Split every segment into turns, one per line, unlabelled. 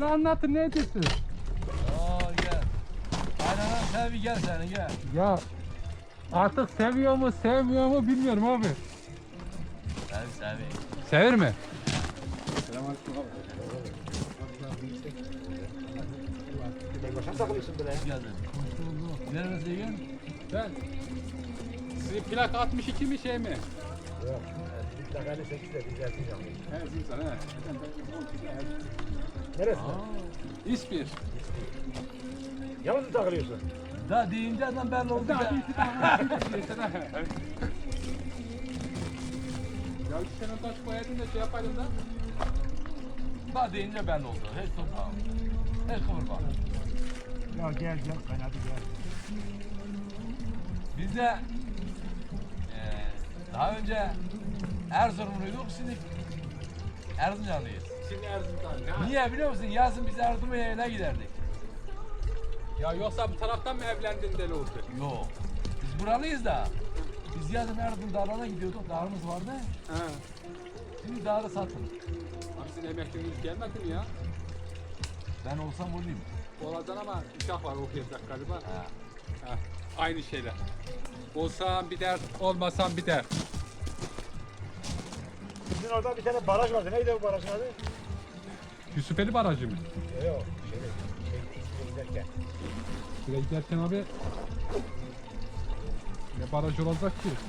anlatın ne diyorsun?
Oo gel. Aynen sen bir gel sen gel.
Ya artık seviyor mu sevmiyor mu bilmiyorum abi.
Sen.
Sever mi?
Hoş geldin. Neresi yiyin?
Ben. Sizin plak 62 mi şey mi?
Yok. Mutlaka 8'de bir gelsin canım.
He Zimsan he.
Neresi?
İspir.
Yalnız mı takılıyorsun?
Da deyince adam belli oldu.
Ya sen o taş koyaydın da şey yapaydın da.
Da deyince belli oldu. Hiç toprağım. Hiç kıvırma.
Ya gel kaynadı gel.
Biz de daha önce Erzurumluyduk, şimdi Erzincanlıyız.
Şimdi Erzincan.
Niye biliyor musun? Yazın biz Erzurum'a giderdik.
Ya yoksa bu taraftan mı evlendin deli oldu?
Yok. Biz buralıyız da. Biz yazın Erzurum dağlarına gidiyorduk. Dağımız vardı.
He.
Şimdi dağda satın.
Abi sizin emekliliğiniz gelmedi mi ya?
Ben olsam olayım.
Olacaksın ama uşak var okuyacak galiba.
Ha.
Ha. Aynı şeyler. Olsam bir dert, olmasam bir dert.
Sizin orada bir tane baraj vardı. Neydi o barajın adı?
Yusufeli Barajı mı?
Yok. İsmine giderken.
Şuraya giderken abi ne baraj olacak ki?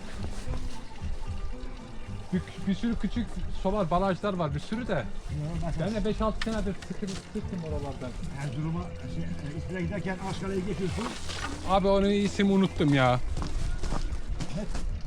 Bir sürü küçük solar barajlar var bir sürü de. Ben de 5-6 senedir sıkım oralardan.
Erzurum'a İsmine giderken Aşkale'yi geçiyorsun.
Abi onun ismi unuttum ya.